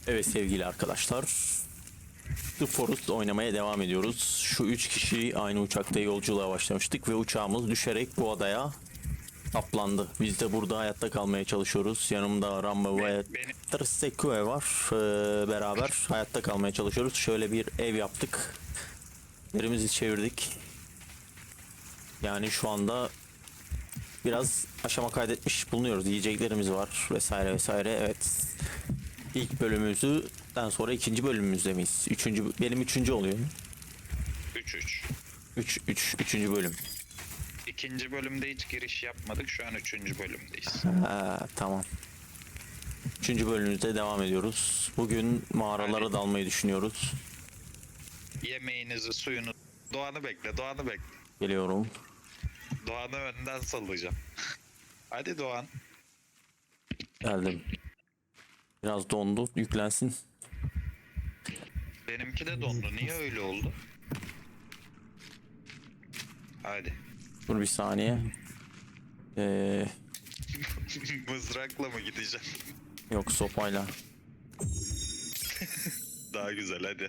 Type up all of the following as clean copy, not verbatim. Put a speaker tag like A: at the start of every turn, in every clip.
A: Evet sevgili arkadaşlar. The Forest oynamaya devam ediyoruz. Şu 3 kişi aynı uçakta yolculuğa başlamıştık ve uçağımız düşerek bu adaya saplandı. Biz de burada hayatta kalmaya çalışıyoruz. Yanımda Rambo ve
B: Benim
A: Tırsekue var. Beraber hayatta kalmaya çalışıyoruz. Şöyle bir ev yaptık. Yerimizi çevirdik. Yani şu anda biraz aşama kaydetmiş bulunuyoruz. Yiyeceklerimiz var vesaire vesaire. Evet. İlk bölümümüzden sonra ikinci bölümümüzde miyiz? Benim üçüncü oluyor.
B: 3-3.
A: Üçüncü bölüm.
B: İkinci bölümde hiç giriş yapmadık. Şu an üçüncü bölümdeyiz.
A: Ha, tamam. Üçüncü bölümümüzde devam ediyoruz. Bugün mağaralara
B: Hadi.
A: dalmayı düşünüyoruz.
B: Yemeğinizi, suyunu... Doğan'ı bekle, Doğan'ı bekle.
A: Geliyorum.
B: Doğan'ı önden sallayacağım. Hadi Doğan.
A: Geldim. Biraz dondu. Yüklensin.
B: Benimki de dondu. Niye öyle oldu? Hadi.
A: Dur bir saniye.
B: Mızrakla mı gideceğim?
A: Yok sopayla.
B: Daha güzel hadi.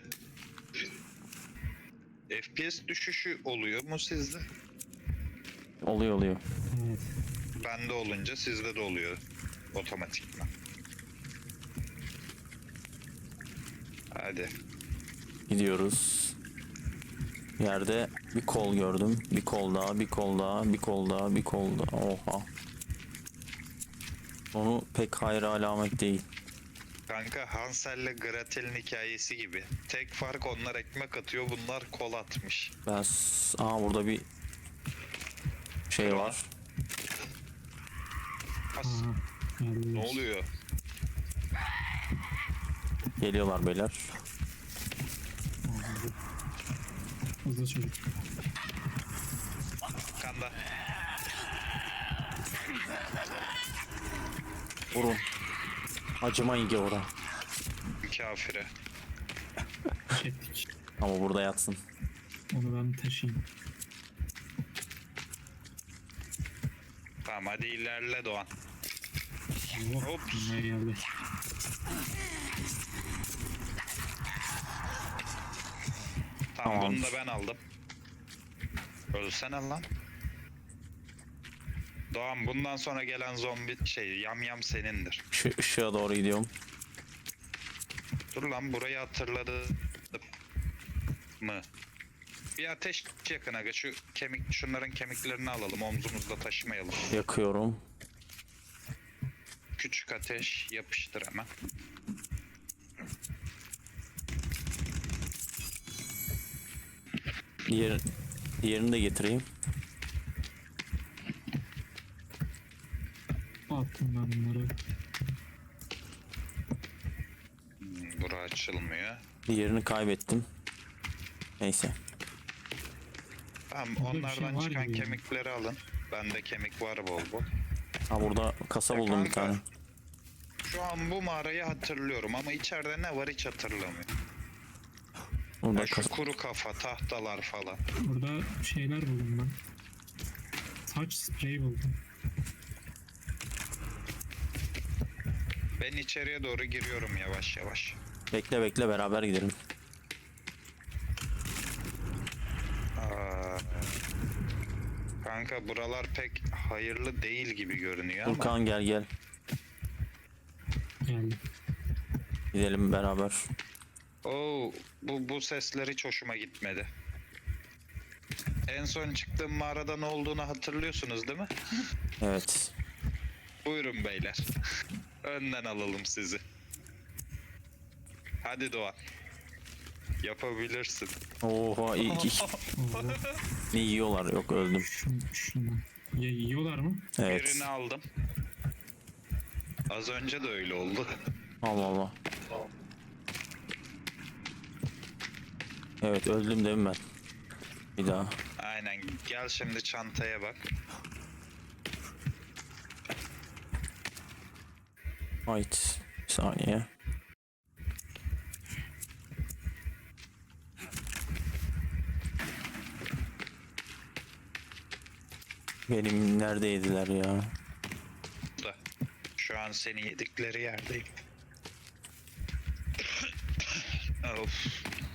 B: FPS düşüşü oluyor mu sizde?
A: Oluyor.
B: Bende olunca sizde de oluyor. Otomatikman. Hadi.
A: Gidiyoruz. Yerde bir kol gördüm. Bir kol daha, bir kol daha, bir kol daha, bir kol daha. Oha. Onu pek hayra alamet değil.
B: Kanka Hansel'le Gretel'in hikayesi gibi. Tek fark onlar ekmek atıyor, bunlar kol atmış.
A: Aha burada bir şey var.
B: As. Ne oluyor?
A: Geliyorlar beyler.
C: Hızlı çocuk.
B: Kanda.
A: Vurun. Acımayın gavura.
B: Kafire.
C: Çektik.
A: Ama burada yatsın.
C: Onu ben taşıyayım.
B: Tamam hadi ilerle Doğan.
C: Oh,
B: Ops.
C: ne geldi.
B: Tamam
A: Tamam.
B: bunu da ben aldım. Ölsene lan. Doğan bundan sonra gelen zombi yam senindir.
A: Şu ışığa doğru gidiyorum.
B: Dur lan burayı hatırladı mı? Bir ateş yakın aga şunların kemiklerini alalım omzumuzda taşımayalım.
A: Yakıyorum.
B: Küçük ateş yapıştır hemen.
A: Diğerini de getireyim.
C: Attım ben bunları.
B: Bura açılmıyor.
A: Diğerini kaybettim. Neyse.
B: Tamam
C: Burada bir
B: onlardan
C: şey var
B: çıkan
C: gibi ya.
B: kemikleri alın. Bende kemik var bol bol.
A: Ha burada kasa
B: Ya
A: buldum bir
B: kanka,
A: tane.
B: Şu an bu mağarayı hatırlıyorum ama içeride ne var hiç hatırlamıyorum.
A: Burada
B: Ya şu
A: kasa.
B: kuru kafa, tahtalar falan.
C: Burada şeyler buldum ben. Saç spreyi buldum.
B: Ben içeriye doğru giriyorum yavaş yavaş.
A: Bekle beraber gidelim.
B: Aa, kanka buralar pek hayırlı değil gibi görünüyor ama.
A: Furkan gel.
C: Geldi.
A: Gidelim beraber.
B: Oo, bu sesler hiç hoşuma gitmedi. En son çıktığım mağarada ne olduğunu hatırlıyorsunuz değil mi?
A: Evet.
B: Buyurun beyler. Önden alalım sizi. Hadi Doğan. Yapabilirsin.
A: Oha iyi.
C: Allah.
A: Ne yiyorlar? Yok öldüm.
C: Şunu. Ya yiyorlar mı?
A: Evet.
B: Birini aldım. Az önce de öyle oldu.
A: Allah. Evet öldüm değil mi ben? Bir daha.
B: Aynen. Gel şimdi çantaya bak.
A: Right. Bir saniye. Benim neredeydiler ya?
B: Da. Şu an seni yedikleri yerdeyim. Of.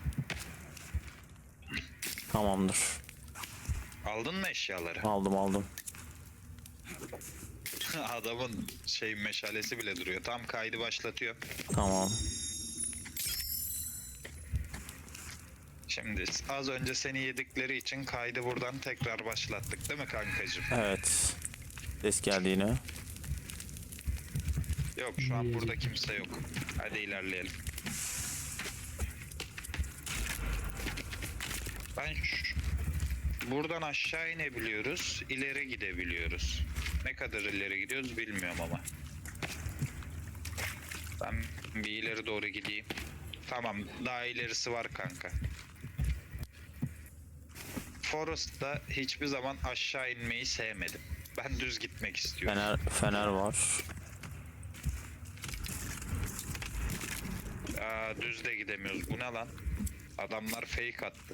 A: Tamamdır.
B: Aldın mı eşyaları?
A: Aldım.
B: Adamın meşalesi bile duruyor. Tam kaydı başlatıyor.
A: Tamam.
B: Şimdi az önce seni yedikleri için kaydı buradan tekrar başlattık değil mi kankacığım?
A: Evet. Ses geldi yine.
B: Yok şu an burada kimse yok. Hadi ilerleyelim. Buradan aşağı inebiliyoruz, ileri gidebiliyoruz. Ne kadar ileri gidiyoruz bilmiyorum ama. Ben bir ileri doğru gideyim. Tamam, daha ilerisi var kanka. Forest'ta hiçbir zaman aşağı inmeyi sevmedim. Ben düz gitmek istiyorum.
A: Fener var.
B: Düz de gidemiyoruz. Bu ne lan? Adamlar fake attı.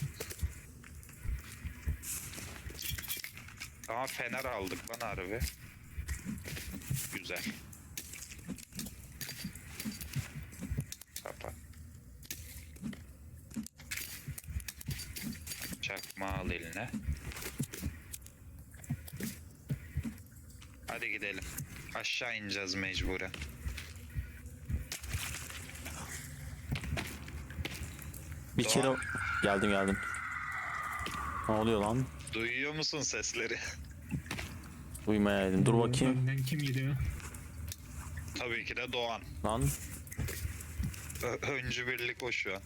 B: Ama fener aldık lan harbi. Güzel. Kapat. Çakma al eline. Hadi gidelim. Aşağı ineceğiz mecburen.
A: Bir
B: Doğan.
A: kere geldim. Ne oluyor lan?
B: Duyuyor musun sesleri?
A: Duymayaydım. Dur bakayım.
C: Önden kim gidiyor?
B: Tabii ki de Doğan.
A: Lan.
B: Öncü birlik o şu an.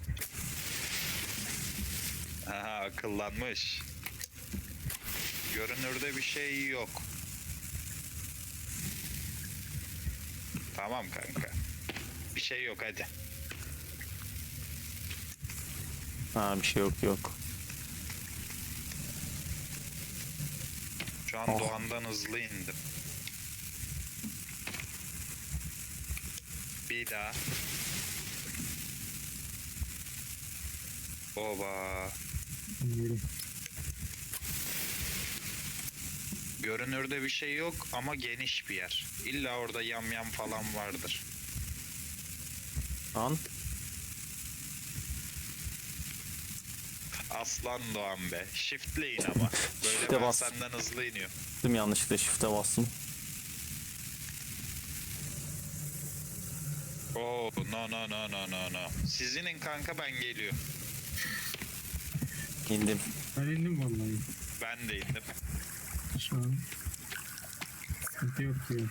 B: Aha, akıllanmış. Görünürde bir şey yok. Tamam kanka. Bir şey yok hadi.
A: Ha, bir şey yok.
B: Şu an
A: Oh.
B: Doğan'dan hızlı indim. Bir daha. Oba.
C: Bilmiyorum.
B: Görünürde bir şey yok ama geniş bir yer. İlla orada yamyam falan vardır.
A: Lan.
B: Aslan Doğan be. Shift'le in ama. Böyle
A: Shift'e
B: ben
A: bas.
B: senden hızlı iniyorum.
A: Yanlışlıkla shift'e bastım.
B: Oo, no. Siz inin kanka ben geliyorum.
A: İndim.
C: Ben indim vallahi.
B: Ben de indim.
C: Şu an sıkıntı yok diyor.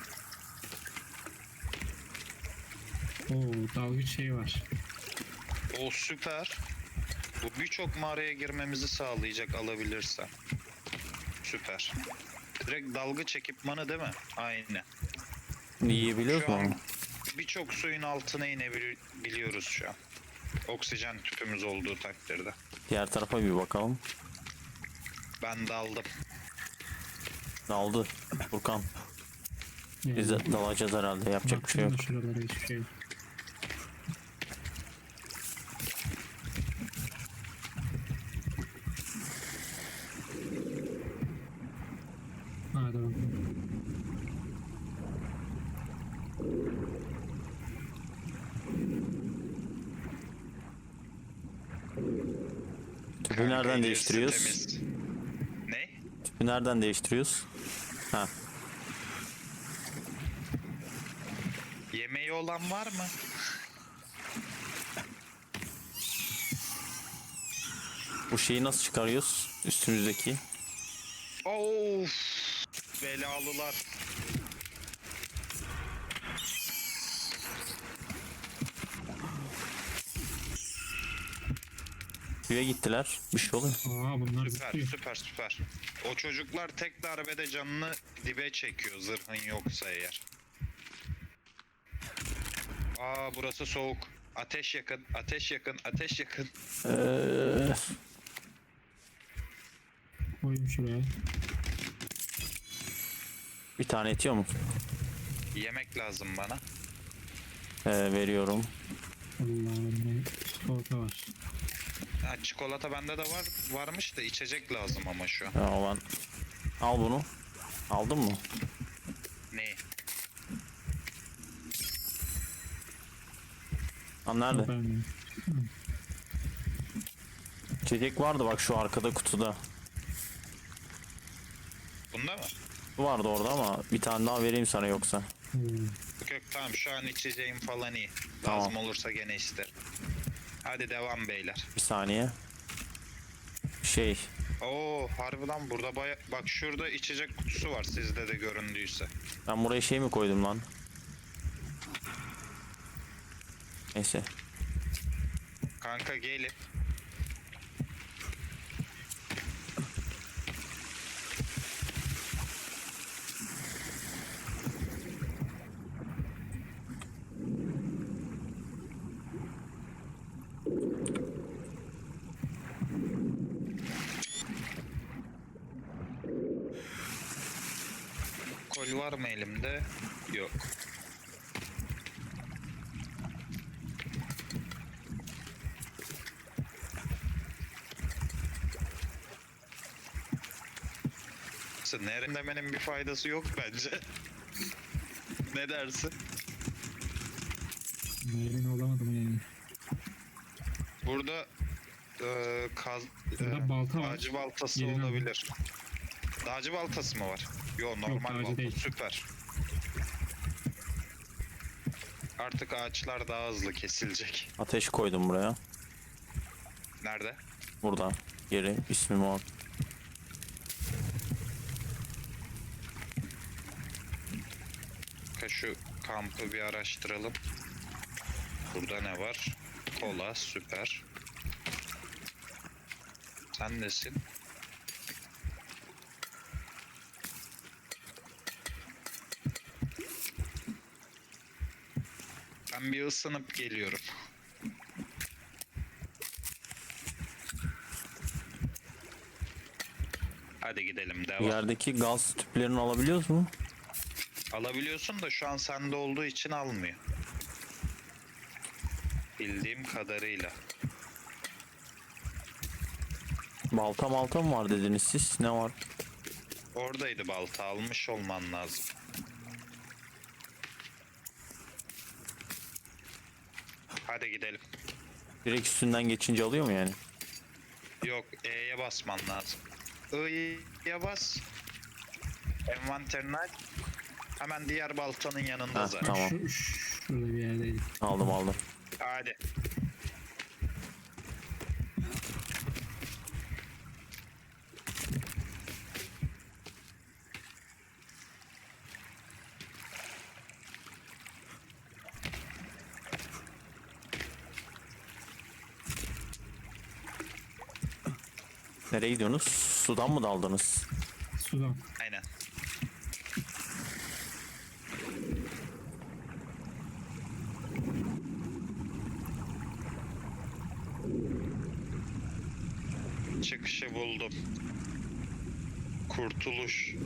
C: Oo, dalgıç şey var.
B: O süper. Bu birçok mağaraya girmemizi sağlayacak alabilirsem. Süper. Direkt dalgıç ekipmanı değil mi? Aynen.
A: Yiyebiliyoruz
B: Şu
A: mu?
B: an birçok suyun altına inebiliyoruz şu an. Oksijen tüpümüz olduğu takdirde.
A: Diğer tarafa bir bakalım.
B: Ben daldım.
A: Daldı. Furkan.
C: Yani,
A: Biz de dalacağız herhalde. Yapacak bir şey yok.
C: baktım da şuralara hiçbir şey yok. Hadi bakalım.
A: Tüpü
B: Kanka,
A: nereden
B: ilerisi
A: değiştiriyoruz?
B: temiz. Ne?
A: Tüpü nereden değiştiriyoruz? Ha.
B: Yemeği olan var mı?
A: Bu şeyi nasıl çıkarıyoruz? Üstümüzdeki.
B: Of! Belalılar.
A: Suya gittiler. Bir şey oluyor.
C: Aa, bunlar
B: Süper,
C: zıplıyor.
B: süper. O çocuklar tek darbede canını dibe çekiyor zırhın yoksa eğer. Burası soğuk. Ateş yakın.
C: Koyayım şuraya.
A: Bir tane etiyor mu?
B: Yemek lazım bana.
A: Veriyorum.
C: Allah'ım, ne çikolata var.
B: Çikolata bende de varmış da içecek lazım ama şu an.
A: Ya ben... Al bunu. Aldın mı?
B: Ne?
A: Lan nerede?
C: Ben
A: İçecek vardı bak şu arkada kutuda.
B: Bunda mı?
A: Vardı orada ama bir tane daha vereyim sana yoksa.
C: Oo.
B: Yok yok, tamam, şu an içeceğim falan iyi.
A: Tamam.
B: Lazım olursa gene isterim. Hadi devam beyler.
A: Bir saniye. Şey.
B: Oo harbi lan, burada bak şurada içecek kutusu var, sizde de göründüyse.
A: Ben buraya şey mi koydum lan? Neyse.
B: Kanka gelin. Kol var mı elimde? Yok. Nerin demenin bir faydası yok bence. Ne dersin?
C: Nereden olamadım yani.
B: Burada
C: Burada balta var.
B: dağcı baltası
C: Yerini aldım.
B: olabilir. Dağcı baltası mı var? Yo, normal
C: dağcı
B: balta.
C: değil.
B: Süper. Artık ağaçlar daha hızlı kesilecek.
A: Ateş koydum buraya.
B: Nerede?
A: Burada. Geri ismim o.
B: Şu kampı bir araştıralım. Burada ne var? Kola, süper. Sen nesin? Ben bir ısınıp geliyorum. Hadi gidelim, devam.
A: Yerdeki gaz tüplerini alabiliyoruz mu?
B: Alabiliyorsun da şu an sende olduğu için almıyor. Bildiğim kadarıyla.
A: Balta malta mı var dediniz siz? Ne var?
B: Oradaydı balta, almış olman lazım. Hadi gidelim.
A: Direkt üstünden geçince alıyor mu yani?
B: Yok, E'ye basman lazım. I'ye bas. Envanterine aç. Hemen diğer baltanın yanında
A: Ha,
B: zaten.
A: tamam.
C: Şurada bir yerdeydi.
A: Aldım.
B: Hadi.
A: Nereye gidiyorsunuz? Sudan mı daldınız?
C: Sudan.
B: Aynen. Çıkışı buldum. Kurtuluş.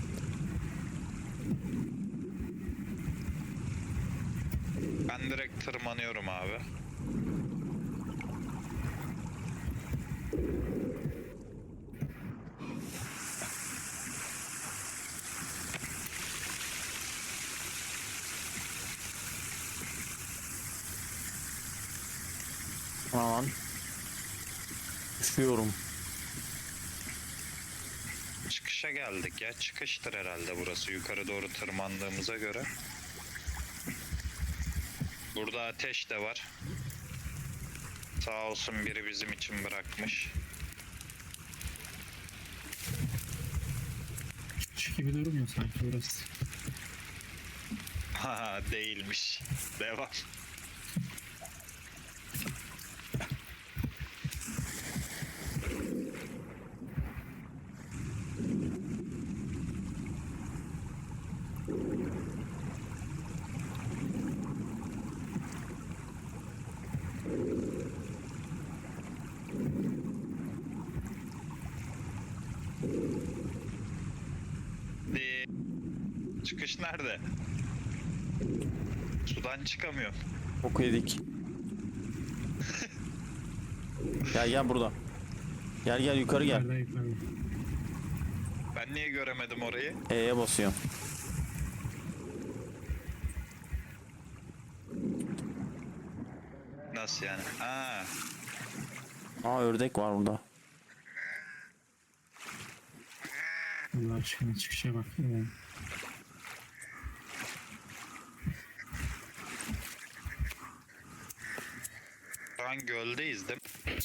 B: Ben direkt tırmanıyorum abi.
A: Aman. Üşüyorum.
B: Çıkışa geldik ya. Çıkıştır herhalde burası. Yukarı doğru tırmandığımıza göre. Burada ateş de var. Sağ olsun biri bizim için bırakmış.
C: Çıkış gibi durmuyor sanki burası.
B: Haha, değilmiş. Devam. Çıkış nerede? Sudan çıkamıyorum.
A: Boku yedik. Gel burada. Gel yukarı gel.
C: Yukarıda.
B: Ben niye göremedim orayı?
A: E'ye basıyorum.
B: Nasıl yani? Ha.
A: Aa, ördek var burada.
C: Allah aşkına çıkışa bak.
B: Şu an göldeyiz değil mi?